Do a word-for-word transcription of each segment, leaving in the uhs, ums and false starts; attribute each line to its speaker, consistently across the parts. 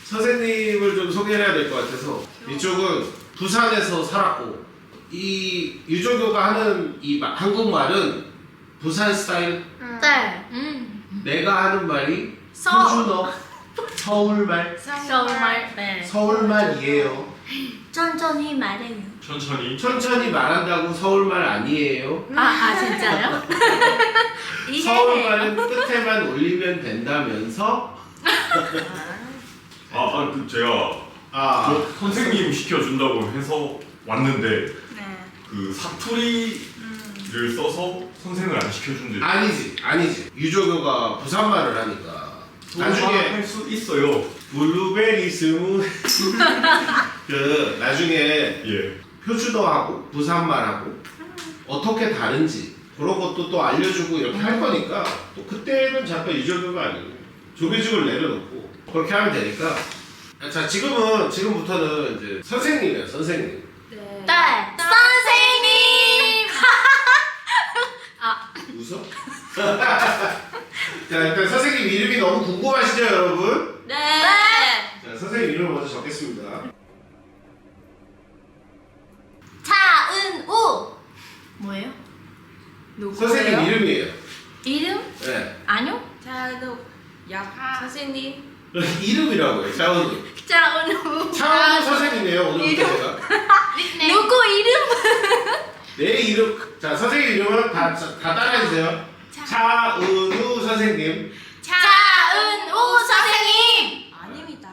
Speaker 1: 선생님을 좀 소개를 해야 될 것 같아서. 이쪽은 부산에서 살았고, 이 유조교가 하는 이 마- 한국말은 부산 스타일.
Speaker 2: 네.
Speaker 3: 음.
Speaker 1: 내가 하는 말이
Speaker 2: 서-
Speaker 1: 표준어 서울말.
Speaker 2: 서울말. 네.
Speaker 1: 서울말이에요.
Speaker 2: 천천히 말해요.
Speaker 4: 천천히.
Speaker 1: 천천히 말한다고 서울말 아니에요.
Speaker 2: 아, 아 진짜요?
Speaker 1: 서울말은 끝에만 올리면 된다면서.
Speaker 4: 아, 아, 그 제가
Speaker 1: 아,
Speaker 4: 저 선생님 시켜준다고 해서 왔는데
Speaker 2: 네.
Speaker 4: 그 사투리를 써서 선생을 안 시켜준대.
Speaker 1: 아니지, 아니지. 유조교가 부산말을 하니까 나중에
Speaker 4: 할수 있어요.
Speaker 1: 블루베리 스무 그 나중에
Speaker 4: 예.
Speaker 1: 표준어하고 부산말하고 어떻게 다른지 그런 것도 또 알려주고 이렇게 할 거니까 또 그때는 잠깐 유조교가 아니고 조교직을 내려놓고 그렇게 하면 되니까. 자, 지금은 지금부터는 이제 선생님이에요, 선생님.
Speaker 2: 네. 선생님. 아.
Speaker 1: 웃어? 자, 일단 선생님 이름이 너무 궁금하시죠, 여러분?
Speaker 2: 네.
Speaker 1: 자, 선생님 이름 먼저 적겠습니다.
Speaker 2: 차은우. 뭐예요?
Speaker 1: 선생님 이름이에요.
Speaker 2: 이름?
Speaker 1: 네.
Speaker 2: 아니요.
Speaker 3: 차은우. 야, 선생님.
Speaker 1: 이름이라고요, 차은우.
Speaker 2: 차은우.
Speaker 1: 차은우 선생님이에요, 오늘부터 제가.
Speaker 2: 누구 이름?
Speaker 1: 내 이름. 자, 선생님 이름은 다, 다 따라해주세요. 차은우 선생님.
Speaker 2: 차은우 선생님.
Speaker 3: 아닙니다.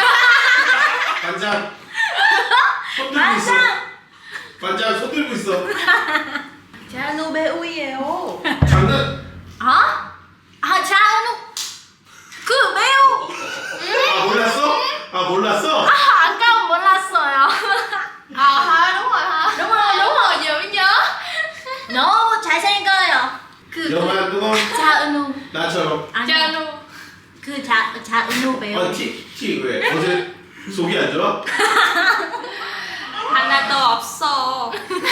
Speaker 1: 반장. 손 들고 있어. 반장 손 들고 있어.
Speaker 3: 차은우 배우예요.
Speaker 1: 장난.
Speaker 2: 아? 아 차은우. 그 매우.
Speaker 1: 아, 몰랐어? 아, 몰랐어?
Speaker 2: 아 아까 몰랐어요.
Speaker 3: 아, đúng rồi ha.
Speaker 2: đúng rồi đúng rồi dữ nhớ. 너무 잘생겨요. 그
Speaker 1: 영화 누구?
Speaker 2: 차은우.
Speaker 1: 나처럼.
Speaker 3: 차은우.
Speaker 2: 그자 차은우 배우.
Speaker 1: 아, 티, 티 왜? 어제 속이 안 좋아?
Speaker 3: 하나도 없어.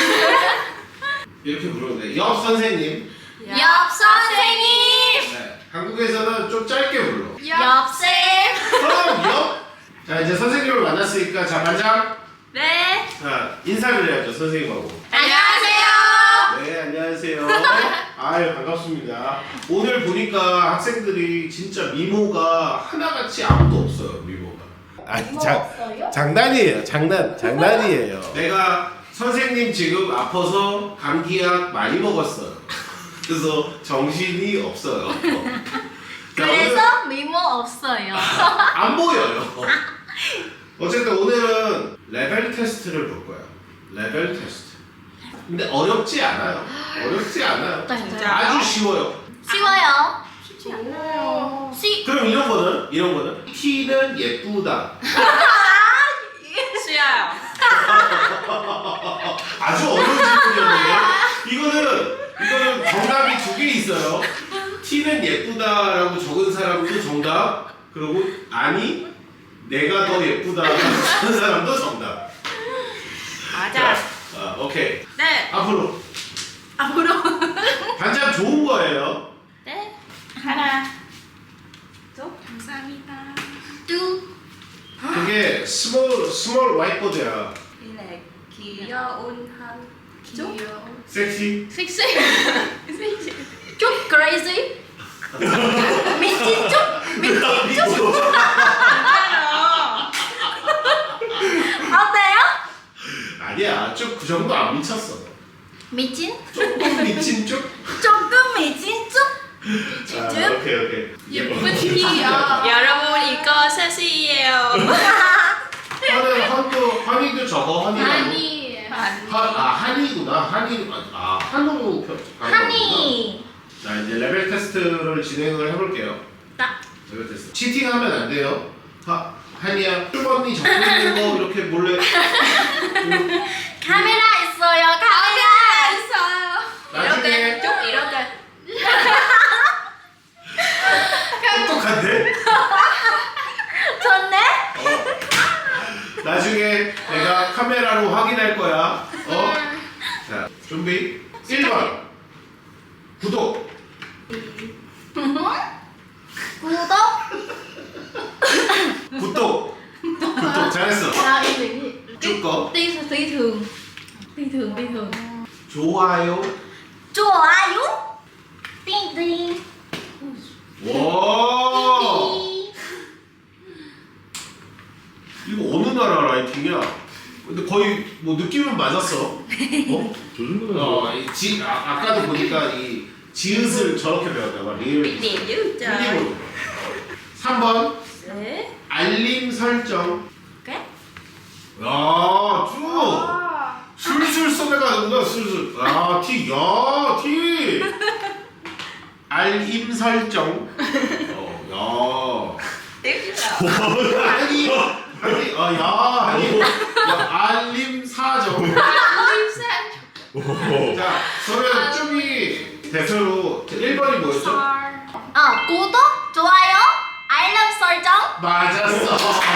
Speaker 1: 이렇게 부르면 돼. 옆 선생님.
Speaker 2: 옆 선생님.
Speaker 1: 네. 한국에서는 좀 짧게 불러.
Speaker 2: 옆쌤.
Speaker 1: 그럼 옆. 자, 이제 선생님을 만났으니까 자, 반장.
Speaker 2: 네.
Speaker 1: 자, 인사를 해야죠, 선생님하고.
Speaker 2: 안녕하세요.
Speaker 1: 네, 안녕하세요. 아유, 반갑습니다. 오늘 보니까 학생들이 진짜 미모가 하나같이 아무도 없어요, 미모가. 아니, 장, 장난이에요, 장난, 장난이에요. 내가 선생님 지금 아파서 감기약 많이 먹었어요. 그래서 정신이 없어요. 자,
Speaker 2: 그래서 미모 없어요.
Speaker 1: 오늘 안 보여요. 어쨌든 오늘은 레벨 테스트를 볼 거예요. 레벨 테스트. 근데 어렵지 않아요. 어렵지 않아요.
Speaker 2: 진짜요?
Speaker 1: 아주 쉬워요.
Speaker 2: 쉬워요.
Speaker 3: 쉽지 않아요.
Speaker 2: 쉬.
Speaker 1: 그럼 이런 거는 이런 거는 T는 예쁘다.
Speaker 3: 쉬어요.
Speaker 1: 아주 어려운 질문이었는데 이거는 이거는 정답이 두 개 있어요. T는 예쁘다라고 적은 사람도 정답. 그리고 아니 내가 더 예쁘다라고 적은 사람도 정답.
Speaker 3: 맞아.
Speaker 1: 아, 오케이.
Speaker 3: 네.
Speaker 1: 앞으로
Speaker 2: 앞으로.
Speaker 1: 반장 좋은 거예요.
Speaker 3: 네. 하나. 또 감사합니다.
Speaker 2: 두.
Speaker 1: 그게 스몰 스몰 화이트보드야.
Speaker 3: 이래 귀여운 한 귀여운.
Speaker 1: 섹시.
Speaker 2: 섹시. 쭉 crazy. 미친 쭉. 미친 쭉.
Speaker 3: 괜찮아.
Speaker 2: 어때요?
Speaker 1: 아니야, 쭉 그 정도 안 미쳤어.
Speaker 2: 미친?
Speaker 1: 조금 미친 쭉.
Speaker 2: 조금 미친 쭉.
Speaker 1: 아,
Speaker 2: 쭉.
Speaker 1: 오케이 오케이.
Speaker 3: 예쁜 티요. 여러분 이거 셋이에요.
Speaker 1: 허는 헌도 허니도 저거 허니.
Speaker 2: 아니에요.
Speaker 1: 아 한이구나. 한이 아 한우 표.
Speaker 2: 하니.
Speaker 1: 자 이제 레벨 테스트를 진행을 해볼게요.
Speaker 2: 딱.
Speaker 1: 레벨 테스트. 치팅하면 안 돼요. 하 한이야. 쭈번니 적고 있는 거 이렇게 몰래.
Speaker 2: 카메라 있어요. 카메라 있어요.
Speaker 1: 나중에
Speaker 3: 쭉 이렇게.
Speaker 1: 똑똑한데?
Speaker 2: 좋네.
Speaker 1: 어. 나중에 내가 카메라로 확인할 거야. 어? 자, 준비. 일 번. 구독.
Speaker 2: 구독.
Speaker 1: 구독. 좋아요.
Speaker 2: 좋아요. 띵띵.
Speaker 1: 와.
Speaker 2: 띵.
Speaker 1: 이거 어느 나라 라이팅이야? 근데 거의 뭐 느낌은 맞았어. 어?
Speaker 4: 저 정도면
Speaker 1: 어, 이 지, 아, 아까도 보니까 이 지읒을 저렇게 배웠나 봐. 리을.
Speaker 3: Biết điểm dữ trời.
Speaker 1: 힐링으로. 삼 번
Speaker 3: Thế.
Speaker 1: 알림 설정.
Speaker 2: 오케이.
Speaker 1: 야, 쭉. 술술 써내가는구나, 술술. 아, 티, 야, 티. 알림 설정. 어,
Speaker 3: Tiếp chứ nào.
Speaker 1: 야. 아니, 아니, 아, 야, 아니, 야, 알림 사정. 자, 그러면 쭉이 대표로 일 번이 뭐였죠?
Speaker 2: 어, 구독, 좋아요, 알람 설정.
Speaker 1: 맞았어.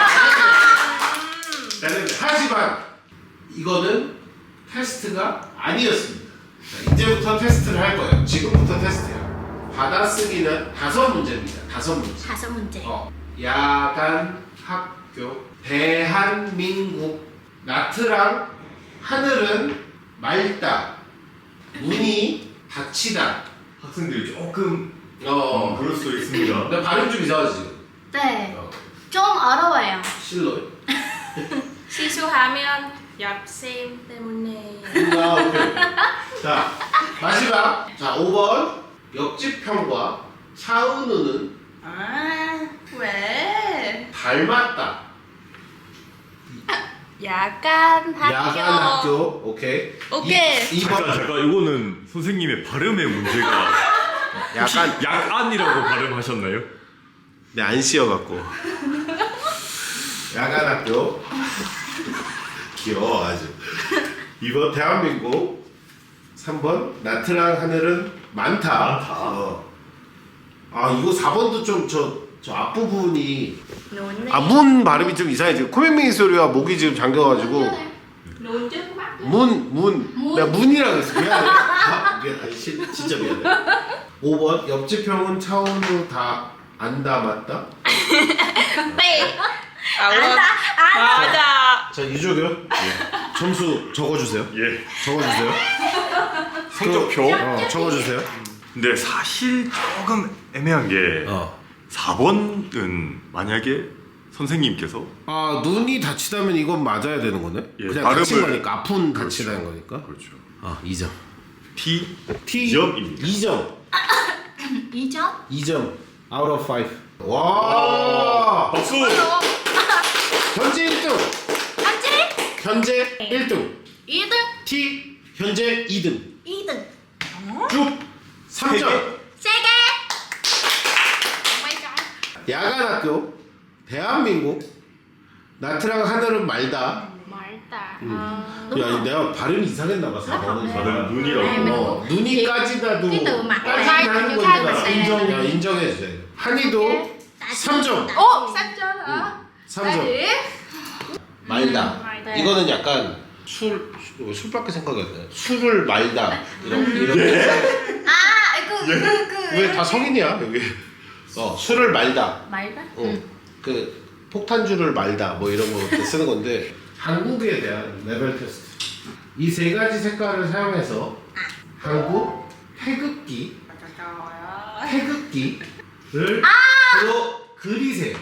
Speaker 1: 나는 하지만 이거는 테스트가 아니었습니다. 자, 이제부터 테스트를 할 거예요. 지금부터 테스트예요. 받아쓰기는 다섯 문제입니다. 다섯 문제.
Speaker 2: 다섯 문제.
Speaker 1: 어, 야간 학교 대한민국 나트랑 하늘은 맑다 문이 닫히다.
Speaker 4: 학생들이 조금 어,
Speaker 1: 어,
Speaker 4: 그럴 수도 있습니다.
Speaker 1: 근데 발음 좀 이상하지 지금.
Speaker 2: 네.
Speaker 1: 어,
Speaker 2: 좀 어려워요.
Speaker 1: 실로요.
Speaker 3: 실수하면 옆쌤 때문에.
Speaker 1: 아, 오케이. 자, 마지막. 자, 오 번. 옆집 형과 차은우는
Speaker 3: 아, 왜?
Speaker 1: 닮았다.
Speaker 3: 야간 학교.
Speaker 1: 야간 학교. 오케이.
Speaker 3: 오케이.
Speaker 1: 이
Speaker 4: 잠깐
Speaker 1: 번.
Speaker 4: 잠깐 이거는 선생님의 발음의 문제가 혹시
Speaker 1: 약간
Speaker 4: 약안이라고 발음하셨나요?
Speaker 1: 네, 안 씌어갖고. 야간 학교. 귀여워, 아주. 이 번 대한민국. 삼 번 나트랑 하늘은 많다.
Speaker 4: 많다.
Speaker 1: 어. 아, 이거 사 번도 좀 저 저 앞부분이
Speaker 3: Nôn
Speaker 1: 아, 문 발음이 좀 이상해. 지금 코맹맹이 소리와 목이 지금 잠겨가지고
Speaker 3: Nôn trước mắt.
Speaker 1: 문, 문.
Speaker 3: 문.
Speaker 1: 내가 문이라고 했어. 미안해. 아, 미안해. 시, 진짜 미안해. 오 번 옆집 형은 차은우 다 안다 맞다?
Speaker 3: 삐.
Speaker 2: 안다, 안다.
Speaker 3: 맞아.
Speaker 1: 자, 이조교 점수 적어주세요.
Speaker 4: 예.
Speaker 1: 적어주세요.
Speaker 4: 성적표.
Speaker 1: 어, 적어주세요.
Speaker 4: 근데 사실 조금 애매한 게
Speaker 1: 어.
Speaker 4: 사 번은 만약에 선생님께서
Speaker 1: 아, 눈이 다치다면 이건 맞아야 되는 거네?
Speaker 4: 예,
Speaker 1: 그냥
Speaker 4: 발음을-
Speaker 1: 다친 거니까 아픈
Speaker 4: 그렇죠.
Speaker 1: 다치다는 거니까.
Speaker 4: 그렇죠.
Speaker 1: 아, 이 점.
Speaker 4: T
Speaker 1: T
Speaker 4: 이 점입니다.
Speaker 1: 이 점.
Speaker 2: 이 점?
Speaker 1: 이 점. out of five. 와!
Speaker 4: 박수.
Speaker 1: 현재 일 등.
Speaker 2: 현재
Speaker 1: 현재 일 등.
Speaker 2: 이 등,
Speaker 1: T 현재 이 등.
Speaker 2: 이 등.
Speaker 1: 쭉 삼 점.
Speaker 2: 세 개.
Speaker 1: 야간 학교 대한민국 나트랑 하늘은 말다.
Speaker 3: 말다.
Speaker 1: 야, 내가 발음이 이상했나 봐. 사 번은.
Speaker 4: 다른 눈이라고.
Speaker 1: 어, 눈이 까지다도
Speaker 2: cái từ mặt
Speaker 1: 까지는
Speaker 2: này,
Speaker 1: 하는
Speaker 2: cái
Speaker 1: 거니까
Speaker 2: này.
Speaker 1: 인정, 야, 인정해 주세요. 한이도 삼 점.
Speaker 3: Ồ, xanh chưa hả?
Speaker 1: 삼 점. 말다. 이거는 약간 술, 술 술밖에 생각이 안 나. 술을 말다. 이런 이런.
Speaker 2: 아, 그, 그, 그.
Speaker 1: 왜 다 성인이야 여기? 어, 술을 말다.
Speaker 2: 말다?
Speaker 1: 어, 그 폭탄주를 말다 뭐 이런 거 쓰는 건데 한국에 대한 레벨 테스트. 이 세 가지 색깔을 사용해서 한국 태극기 태극기를 서로 그리세요.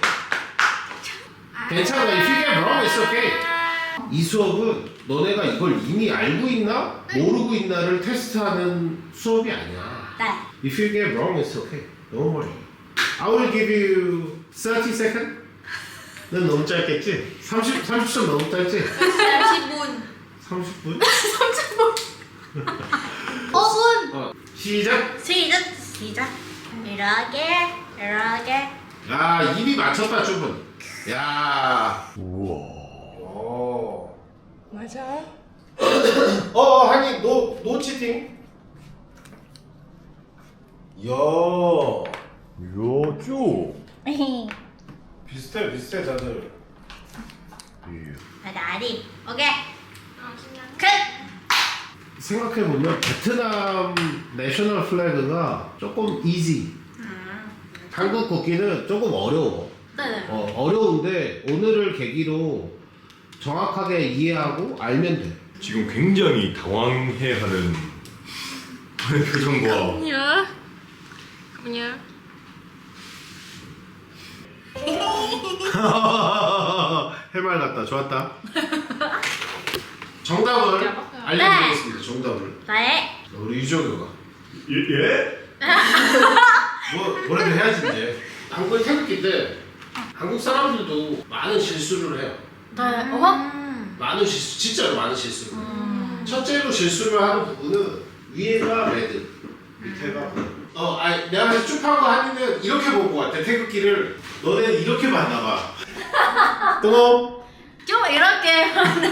Speaker 1: 괜찮아. If you get wrong, it's okay. 이 수업은 너네가 이걸 이미 알고 있나 모르고 있나를 테스트하는 수업이 아니야.
Speaker 2: 네.
Speaker 1: If you get wrong, it's okay. Don't worry. I will give you thirty seconds. 넌 너무 짧겠지? 삼십, 삼십 점 너무 짧지?
Speaker 3: 삼십 분.
Speaker 1: 삼십 분?
Speaker 2: 오 분.
Speaker 1: 어, 시작!
Speaker 2: 시작. 시작. 이렇게, 이렇게.
Speaker 1: 야, 입이 맞췄다, 주분. 야.
Speaker 4: 우와.
Speaker 1: 오.
Speaker 3: 맞아.
Speaker 1: 어, 한이, 노, 노 치팅. 이야.
Speaker 4: 이야 쭉.
Speaker 1: 비슷해, 비슷해, 다들.
Speaker 2: 아, 나리. 오케이. 끝.
Speaker 1: 생각해보면 베트남 내셔널 플래그가 조금 이지. 한국 국기는 조금 어려워.
Speaker 2: 네.
Speaker 1: 어, 어려운데 오늘을 계기로 정확하게 이해하고 알면 돼.
Speaker 4: 지금 굉장히 당황해하는 표정과
Speaker 3: nhớ. Không nhớ.
Speaker 1: 해맑았다. 좋았다. 정답을 알려드리겠습니다. 정답을.
Speaker 2: 네.
Speaker 1: 우리 유정교가
Speaker 4: 예? 예?
Speaker 1: 뭐 뭐라도 해야지 이제. 한국의 태극기인데 한국 사람들도 많은 실수를 해요.
Speaker 2: 네. 어?
Speaker 1: 많은 실수, 진짜로 많은 실수를. 첫째로 실수를 하는 부분은 위에가 레드, 밑에가 블루. 어, 아니 내가 그래서 쭉 한 거 하면은 이렇게 본 거 같아. 태극기를 너네 이렇게 봤나 봐. 또
Speaker 2: 좀 이렇게.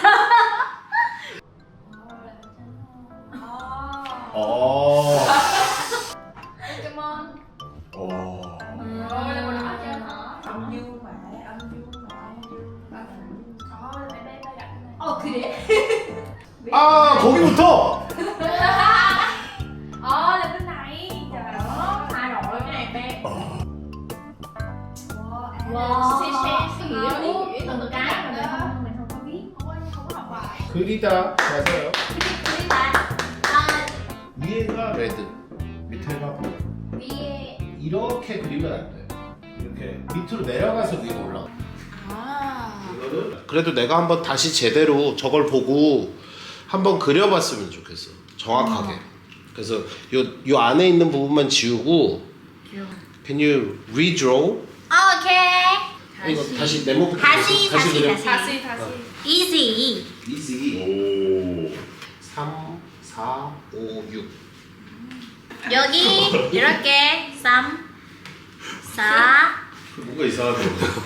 Speaker 1: 어.
Speaker 3: Pokemon.
Speaker 4: 어...
Speaker 3: Rồi là màu đỏ chưa hả? Âm dương mà, âm dương mà, âm dương mà. Đó, đây đây đây đặt này.
Speaker 2: 어 그래?
Speaker 1: 아 거기부터.
Speaker 3: Ờ là bên này. Trời ơi, thay đổi cái này bé.
Speaker 2: Wow.
Speaker 3: Xe xe xe nghĩa
Speaker 2: Ờ,
Speaker 3: ý nghĩa
Speaker 2: từng
Speaker 3: từng
Speaker 2: cái
Speaker 3: cái
Speaker 2: mà
Speaker 3: mà
Speaker 2: mình
Speaker 3: mình
Speaker 2: không
Speaker 3: không
Speaker 2: mình không có biết.
Speaker 3: Ôi, không có học bài.
Speaker 1: 그리다 맞아요.
Speaker 2: 그리다. 아
Speaker 1: 위에가 레드, 밑에가 블루.
Speaker 2: 위에.
Speaker 1: 이렇게 그리면 안 돼. 이렇게 밑으로 내려가서 위로 올라가.
Speaker 3: À.
Speaker 1: 이거는 그래도 내가 한번 다시 제대로 저걸 보고 한번 그려봤으면 좋겠어. 정확하게. 그래서 요, 요 안에 있는 부분만 지우고 Can you redraw?
Speaker 2: 오케이.
Speaker 1: 이거 다시 네모부터
Speaker 2: 다시, 다시,
Speaker 1: 그려.
Speaker 2: 다시.
Speaker 3: 다시 다시.
Speaker 2: Easy.
Speaker 1: easy.
Speaker 4: 오...
Speaker 1: 삼, 사, 오, 육.
Speaker 2: 여기 이렇게 삼, 사,
Speaker 1: 뭔가 이상하네.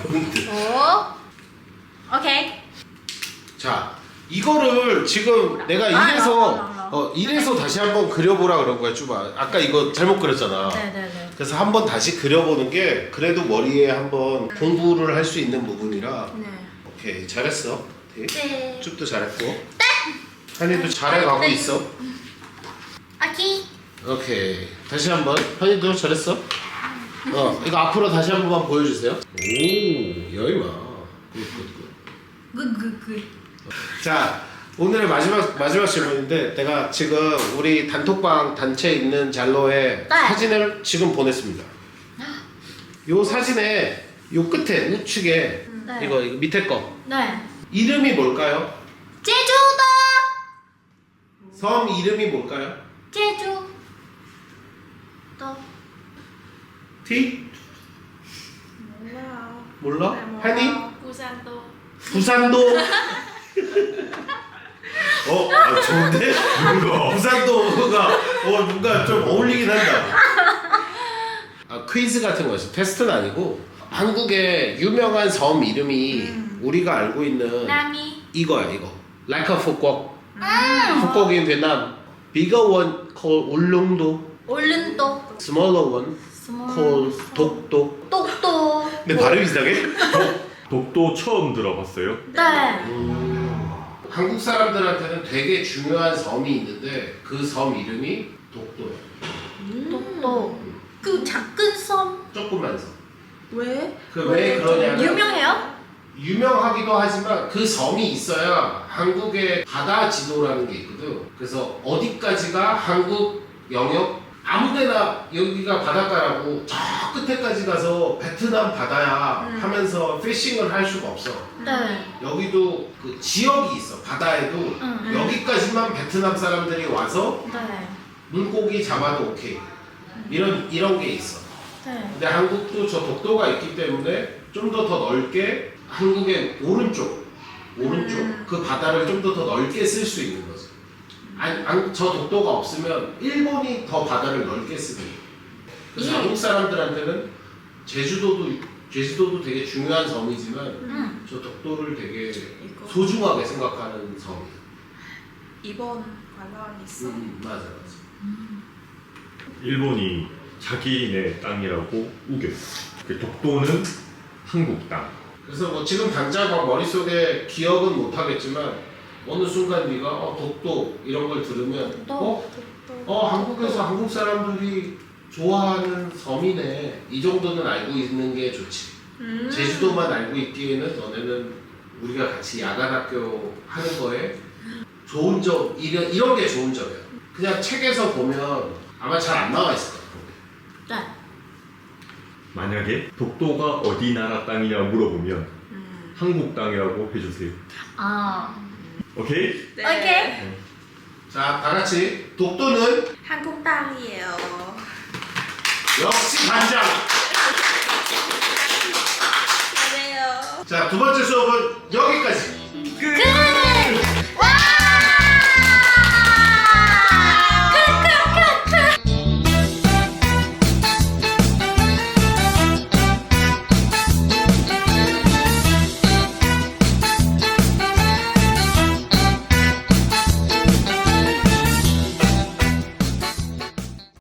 Speaker 2: 오. 오케이.
Speaker 1: 자, 이거를 지금 내가
Speaker 2: 아,
Speaker 1: 이래서
Speaker 2: 라, 라, 라.
Speaker 1: 어, 이래서 다시 한번 그려보라 그런 거야, 쭈바. 아까 이거 잘못 그렸잖아.
Speaker 2: 네네네.
Speaker 1: 그래서 한번 다시 그려보는 게 그래도 머리에 한번 공부를 할 수 있는 부분이라.
Speaker 2: 네.
Speaker 1: 오케이, 잘했어. 네.
Speaker 2: 네.
Speaker 1: 쭈도 잘했고. 한이도 잘해가고
Speaker 2: 네.
Speaker 1: 있어.
Speaker 2: 오케이.
Speaker 1: 오케이, 다시 한번. 한이도 잘했어. 어, 이거 앞으로 다시 한 번만 보여주세요. 오, 여이마. 굿굿굿.
Speaker 2: 굿굿굿.
Speaker 1: 자, 오늘의 마지막 마지막 질문인데 내가 지금 우리 단톡방 단체 있는 잘로에
Speaker 2: 네.
Speaker 1: 사진을 지금 보냈습니다. 요 사진에 요 끝에 우측에
Speaker 2: 네.
Speaker 1: 이거 이거 밑에 거
Speaker 2: 네.
Speaker 1: 이름이 뭘까요?
Speaker 2: 제주도.
Speaker 1: 섬 이름이 뭘까요?
Speaker 2: 제주. 도.
Speaker 1: T? 몰라?
Speaker 3: Là một,
Speaker 1: 한이?
Speaker 3: ờ, Busanto.
Speaker 1: 부산도. 어, 아, 좋은데?
Speaker 4: 뭔가
Speaker 1: 부산도가 어 뭔가 좀 어울리긴 한다. 아, 퀴즈 같은 거였어. 테스트는 아니고 한국의 유명한 섬 이름이 우리가 알고 있는
Speaker 2: 남이.
Speaker 1: 이거야 이거. Like a Phuquoc.
Speaker 2: 음.
Speaker 1: Phuquoc in Vietnam. Bigger one called 울릉도.
Speaker 2: 얼른도.
Speaker 1: Smaller one called 독도.
Speaker 2: 똑똑.
Speaker 1: 근데 발음 이상해?
Speaker 4: 독도 처음 들어봤어요?
Speaker 2: 네.
Speaker 1: 한국 사람들한테는 되게 중요한 섬이 있는데 그 섬 이름이 독도야.
Speaker 2: 똑똑. 그 작은 섬.
Speaker 1: 조그만 섬.
Speaker 3: 왜?
Speaker 1: 그 왜 그러냐면
Speaker 2: 유명해요?
Speaker 1: 유명하기도 하지만 그 섬이 있어야 한국의 바다 지도라는 게 있거든. 그래서 어디까지가 한국 영역 아무데나 여기가 바닷가라고 저 끝에까지 가서 베트남 바다야
Speaker 2: 음.
Speaker 1: 하면서 피싱을 할 수가 없어.
Speaker 2: 네.
Speaker 1: 여기도 그 지역이 있어. 바다에도
Speaker 2: 응, 응.
Speaker 1: 여기까지만 베트남 사람들이 와서
Speaker 2: 네.
Speaker 1: 물고기 잡아도 오케이. 이런 이런 게 있어.
Speaker 2: 네.
Speaker 1: 근데 한국도 저 독도가 있기 때문에 좀 더 더 넓게 한국의 오른쪽 오른쪽
Speaker 2: 음.
Speaker 1: 그 바다를 좀 더 더 넓게 쓸 수 있는 거지. 아니, 안- 저 독도가 없으면 일본이 더 바다를 넓게 쓰는 거야. 그래서
Speaker 2: 예.
Speaker 1: 한국 사람들한테는 제주도도 제주도도 되게 중요한 섬이지만
Speaker 2: 음.
Speaker 1: 저 독도를 되게
Speaker 3: 이거.
Speaker 1: 소중하게 생각하는 섬이야.
Speaker 3: 이번 관람 있어?
Speaker 1: 음, 맞아 맞아.
Speaker 4: 일본이 자기네 땅이라고 우겼어. 그 독도는 한국 땅.
Speaker 1: 그래서 뭐 지금 당장 막 머릿속에 기억은 못 하겠지만 어느 순간 네가 어, 독도 이런 걸 들으면 어? 어 한국에서 한국 사람들이 좋아하는 섬이네 이 정도는 알고 있는 게 좋지.
Speaker 3: 음.
Speaker 1: 제주도만 알고 있기에는 너네는 우리가 같이 야간 학교 하는 거에 좋은 점 이런 이런 게 좋은 점이야. 그냥 책에서 보면 아마 잘 안 나와 있을 거야.
Speaker 2: 네.
Speaker 4: 만약에 독도가 어디 나라 땅이냐 물어보면
Speaker 2: 음.
Speaker 4: 한국 땅이라고 해주세요.
Speaker 2: 아.
Speaker 4: 오케이?
Speaker 3: 네.
Speaker 2: 오케이.
Speaker 1: 자, 다 같이 독도는
Speaker 3: 한국 땅이에요.
Speaker 1: 역시 반장.
Speaker 3: 잘해요.
Speaker 1: 자, 두 번째 수업은 역